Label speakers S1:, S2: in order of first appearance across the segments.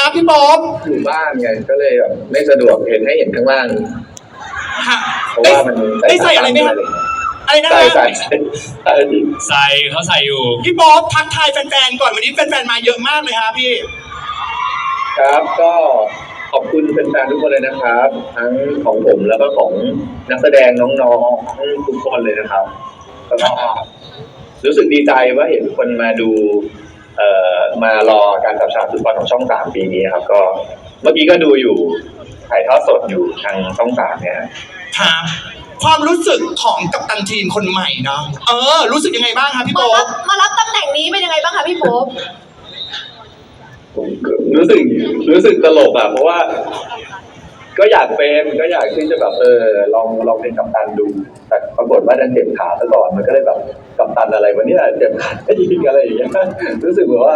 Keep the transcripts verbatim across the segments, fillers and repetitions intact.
S1: ครับพี่ป๊อบ
S2: อยู่บ้านไงก็เลยแบบไม่สะดวกเห็นให้เห็นข้างล่างเพราะว่ามัน
S1: ได้ใส่อะไรไหมครับอะไรนะ
S2: ใส่ใส่ใส่ใส่
S3: ใส่เขาใส่อยู่
S1: พี่ป๊อบทักทายแฟนๆก่อนวันนี้แฟนๆมาเยอะมากเลยครับพี่
S2: ครับก็ขอบคุณแฟนๆทุกคนเลยนะครับทั้งของผมแล้วก็ของนักแสดงน้องๆทุกคนเลยนะครับแล้วก็รู้สึกดีใจว่าเห็นคนมาดูเอ่อมารอการจับฉลากฟุตบอลของช่องสามปีนี้ครับก็เมื่อกี้ก็ดูอยู่ถ่ายทอดสดอยู่ทางช่องสามเนี่ย
S1: ครับความรู้สึกของกัปตันทีมคนใหม่เนาะเออรู้สึกยังไงบ้างครับพี่โป๊ป
S4: มารับตำแหน่งนี้เป็นยังไงบ้างคะพี่โป๊ป
S2: รู้สึกรู้สึกตลกอ่ะเพราะว่าก็อยากเป็นก็อยากที่จะแบบเออลองลองเป็นกัปตันดูแต่ปรากฏว่าดันเจ็บขาซะก่อนมันก็เลยแบบกัปตันอะไรวะเนี่ยเจ็บขาได้ยิงอะไรอย่างเงี้ยรู้สึกแบบว่า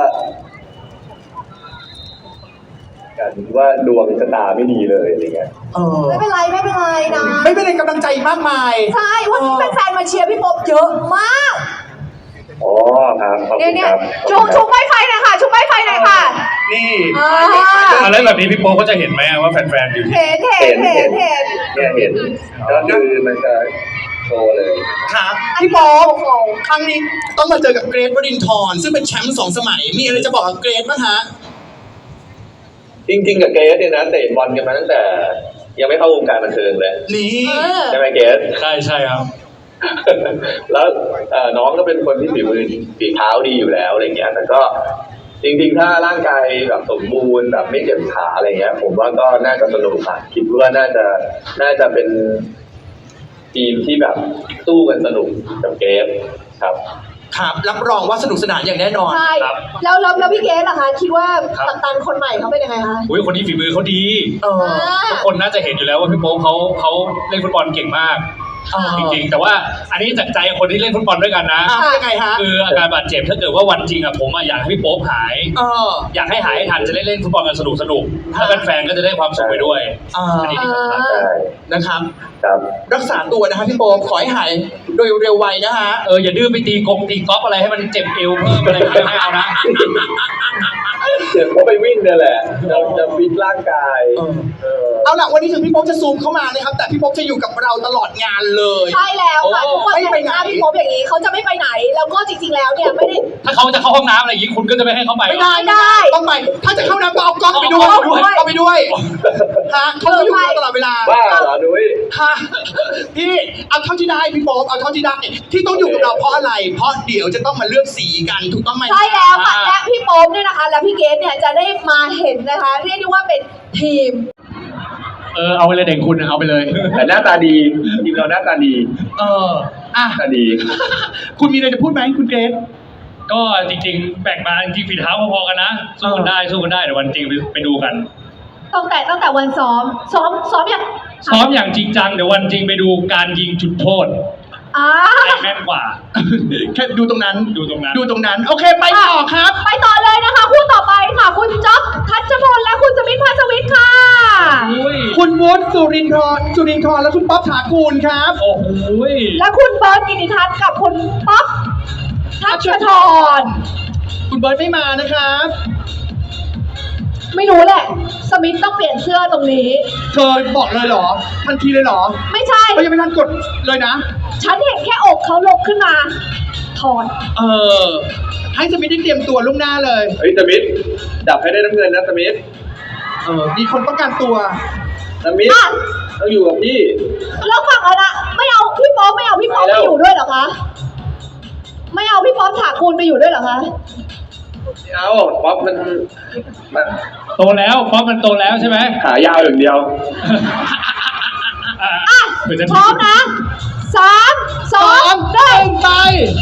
S2: กันว่าดวงชะตาไม่ดีเลยอะไรเงี้ย
S4: ไม่เป็นไรไม่เป็นไรนะ
S1: ไม่เป็นไรกำลังใจมากมาย
S4: ใช่วันนี้แฟนๆมาเชียร์พี่โป๊ปเยอะมาก
S2: อ๋อครับขอบคุณ
S4: ครับชูชูไม้ไฟหน่อยค่ะชูไม้ไฟหน่อยค่ะ
S1: นี่
S3: อะไรแบบนี้พี่โป๊ก็จะเห็นไหมว่าแฟนๆอยู่
S4: เห็นเห็นเห็นเห็น
S2: เนี่ยเห็นก็คือมันจะโชว์เลย
S1: ครับพี่โป๊ครั้งนี้ต้องมาเจอกับเกรทวรินทร์ซึ่งเป็นแชมป์สองสมัยมีอะไรจะบอกกับเกรทบ้างฮะ
S2: จริงๆกับเกรทเนี่ยนะเตะบอลกันมาตั้งแต่ยังไม่เข้าวงการบันเทิงเลย
S1: นี่
S2: ใช่ไหมเกรท
S3: ใช่ใช่ครับ
S2: แล้วน้องก็เป็นคนที่ฝีมือฝีเท้าดีอยู่แล้วอะไรเงี้ยแต่ก็จริงๆถ้าร่างกายแบบสมบูรณ์แบบไม่เจ็บขาอะไรเงี้ยผมว่าก็น่าจะสนุกค่ะคิดว่าน่าจะน่าจะเป็นทีมที่แบบสู้กันสนุกกับเกมครับ
S1: ครับรับรองว่าสนุกสนานอย่างแน่นอน
S4: ใช่แล้วแล้วพี่เกสล่ะคะคิดว่ากัปตันคนใหม่เขาเป็นยังไงคะ
S3: อุ้ยคนนี้ฝีมือเขาดีทุกคนน่าจะเห็นอยู่แล้วว่าพี่โป๊ปเขาเขาเล่นฟุตบอลเก่งมากจริงๆแต่ว่าอันนี้จากใจคนที่เล่นฟุตบอลด้วยกันนะ
S1: ยังไงฮะ
S3: คืออาการบาดเจ็บถ้าเกิดว่าวันจริงอะผมอยากให้พี่โป๊ปหายอยากให้หายทันจะได้เล่นฟุตบอลกันสนุกสนุกแล้วแฟนๆก็จะได้ความสุขไปด้วยอันนี้ที่สำคัญ
S1: นะครับ
S2: ครับ
S1: รักษาตัวนะครับพี่โป๊ปขอให้หายโดยเร็วไวนะฮะ
S3: เอออย่าดื้อไปตีกงตีก๊อฟอะไรให้มันเจ็บเอวเพิ่มอะไรไม่เอานะ
S2: เดี๋ยวเขาไปวิ่งเนี่ยแหละเราจะฟิตร่างกาย
S1: เอาล่ะวันนี้ถึงพี่โป๊ปจะซูมเข้ามานะครับแต่พี่โป๊ปจะอยู่กับเราตลอดงานเลย
S4: ใช่แล้วค่ะทุกคนไม่ไปไหนพี่โป๊ปอย่างนี้เขาจะไม่ไปไหนแล้วก็จริงๆแล้วเนี่ยไม่ได้
S3: ถ้าเขาจะเข้าห้องน้ำอะไรอย่างนี้คุณก็จะไม่ให้เขาไป
S1: ไม่ได้ได้ต้องไปถ้าจะเข้าน้ำก็เอากล้องไปด้วยเอาไปด้วยฮะเขาจะอยู่ตลอดเวลา
S2: บ้าเหรอนุ้ย
S1: ฮะพี่เอาเท่าที่ได้พี่โป๊ปเอาเท่าที่ได้ที่ต้องอยู่กับเราเพราะอะไรเพราะเดี๋ยวจะต้องมาเลือกสีกันถูกต้องไหม
S4: ใช่แล้วค่ะและพี่โป๊ปเนี่ยนะคะและพี่เกสเนี่ยจะได้มาเห็นนะคะเรียกได้ว่าเป็นทีม
S3: เออเอาไปเลยเด็กคุณเอาไปเลย
S2: แต่หน้าตาดีทีมเราหน้าตาดี
S1: เอออ่ะ
S2: ตาดี
S1: คุณมีอะไรจะพูดไหมคุณเกรซ
S3: ก็จริงๆแบ่งมาจริงๆฝีเท้าพอๆกันนะสู้กันได้สู้กันได้เดี๋ยววันจริงไปดูกัน
S4: ตั้งแต่ตั้งแต่วันซ้อมซ้อมซ้อมอย่าง
S3: ซ้อมอย่างจริงจังเดี๋ยววันจริงไปดูการยิงจุดโทษ
S4: อ่า
S3: แม่นกว่า
S1: แค่ดูตรงนั้น
S3: ดูตรงนั้น
S1: ดูตรงนั้นโอเคไปต่อครับ
S4: ไปต่อเลยนะคะคู่ต่อไปค่ะคุณจ๊อบทัชพลและคุณสมิทธพัชวิทย์ค่ะ
S1: คุณวุฒิสุรินทร์สุรินทร์และคุณป๊อปถากูลครับ
S3: โอ้โห
S4: และคุณเบิร์ตกิติทัศน์กับคุณป๊อปทัชธร
S1: คุณเบิร์ตไม่มานะครับ
S4: ไม่รู้แหละสมิธต้องเปลี่ยนเสื้อตรงนี้
S1: เธอบอกเลยเหรอทันทีเลยเหรอ
S4: ไม่ใช่
S1: เขายังไม่ทันกดเลยนะ
S4: ฉันเห็นแค่อกเขาลกขึ้นมาถอด
S1: เออให้สมิธได้เตรียมตัวล่วงหน้าเลย
S2: เฮ้ยสมิธดับให้ได้น้ำเงินนะสมิธ
S1: เออมีคนต้องการตัว
S2: สมิธต้องอยู่กับพี่
S4: แล้วฝั่งอะไรนะไม่เอาพี่ป๊อปไม่เอาพี่ป๊อปไปอยู่ด้วยเหรอคะไม่เอาพี่ป๊อปถากูลไปอยู่ด้วยเหรอคะ
S2: เอาป๊อปมัน
S3: โตแล้วป๊อปมันโตแล้วใช่ไหม
S2: ขายาวอย่างเดียว
S4: อ่ะพร้อมนะสามสองหนึ่ง
S1: ไป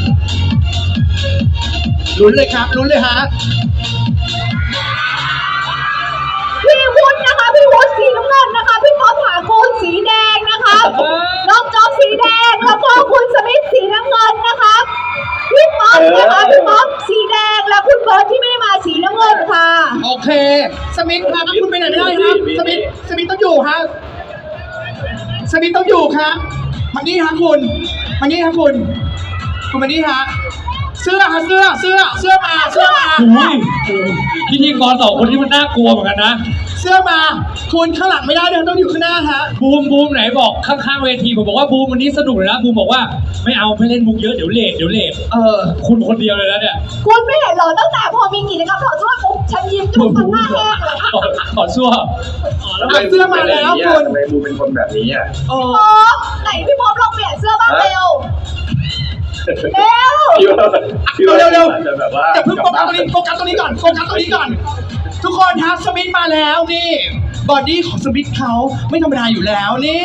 S1: ลุ้นเลยครับลุ้นเลยฮะ
S4: พี่วุฒินะคะพี่วุฒิสีน้ำเงินนะคะพี่ป๊อปถากูลสีแดงนะคะน้องจ๊อบสีแดงแล้วก็คุณสมิธสีน้ำเงินนะคะพี่ป๊อปนะคะพี่ป๊อปสีแดงและคุณเบิร์ตที่ไม่ได้มาสีน้ำเงินค่ะ
S1: โอเคสมิธครับคุณไปไหนไม่ได้ครับสมิธสมิธต้องอยู่ฮะสมิธต้องอยู่ครับมานี่ฮะคุณมานี่ฮะคุณคุณมานี่ฮะเสื้อฮะเสื้อเสื้อเสื้อมาเสื้อมา
S3: อุ้ยพิธีกรสองคนนี้มันน่ากลัวเหมือนกันนะ
S1: เสื้อมาคุณข้างหลังไม่ได้เดินต้องอยู่ข้างหน้าฮะ
S3: บูมบูมไหนบอกข้างๆเวทีผมบอกว่าบูมวันนี้สนุกเลยนะบูมบอกว่าไม่เอาไม่เล่นมุกเยอะเดี๋ยวเลทเดี๋ยวเลท
S1: เออ
S3: คุณคนเดียวเลยนะเนี่ย
S4: คุณไม่เห็นเหรอตั้งแต่พอมีกิจกรรมถอดเสื้อปุ๊บฉันยิ้มจนทั้งหน้าแห้งเลย
S3: ขอขอชั่ว
S2: แล้วทำไม
S1: เสื้อมาแล้ว
S2: บู
S1: คุณ
S2: ทำไมบูเป็นคนแบบนี้อ่ะ
S1: โอ้
S4: พอไหนพี่พบลองเปลี่ยนเสื้อบ้างเร็วเร็ว
S2: พี่ว่าพี่ว่า
S1: เร็วเร็ว
S2: อาจจะแบบว่า
S1: อย่าเพิ่งโฟกัสตรงนี้โฟกัสตรงนี้ก่อนโฟกัสตรงนี้ก่อน ทุกคนครับสมิธมาแล้วนี่บอดี้ของสมิธเขาไม่ธรรมดาอยู่แล้วนี่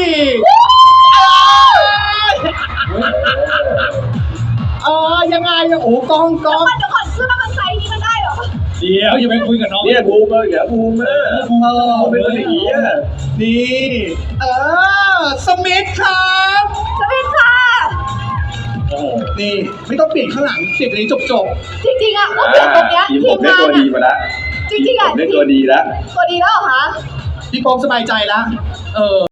S1: เออยังไงอะโอ้กองกอง
S4: เดี๋ยวก่อนเสื้อมันไซส์นี้มันได้เหรอ
S3: เดี๋ยวอย่าไปคุยกับน้อง
S2: เนี่ยบูมเอออย่าบูมเออ
S1: เออ
S2: เขาเป็นคนอย่างนี้อ่ะ
S1: นี่เออสมิธครับ
S4: สวัสดีค่ะ
S2: โอ้โห
S1: นี่ไม่ต้องเปลี่ยนข้างหลังเปลี่ยนตรงนี้จบจบ
S4: จริงๆอ่ะก็เปลี่ยนตรงเนี้ย
S2: ทีม
S4: ที
S2: ผม
S4: ม
S2: ได้
S4: งาน
S2: ตัวดี
S4: อ่ะ
S2: มาแล้ว
S4: จริงๆอ่ะ
S2: ผมได้ตัวดีแล้ว
S4: ตัวดีแล้วเหรอคะ
S1: ๆพี่โป๊ปสบายใจแล้วเออ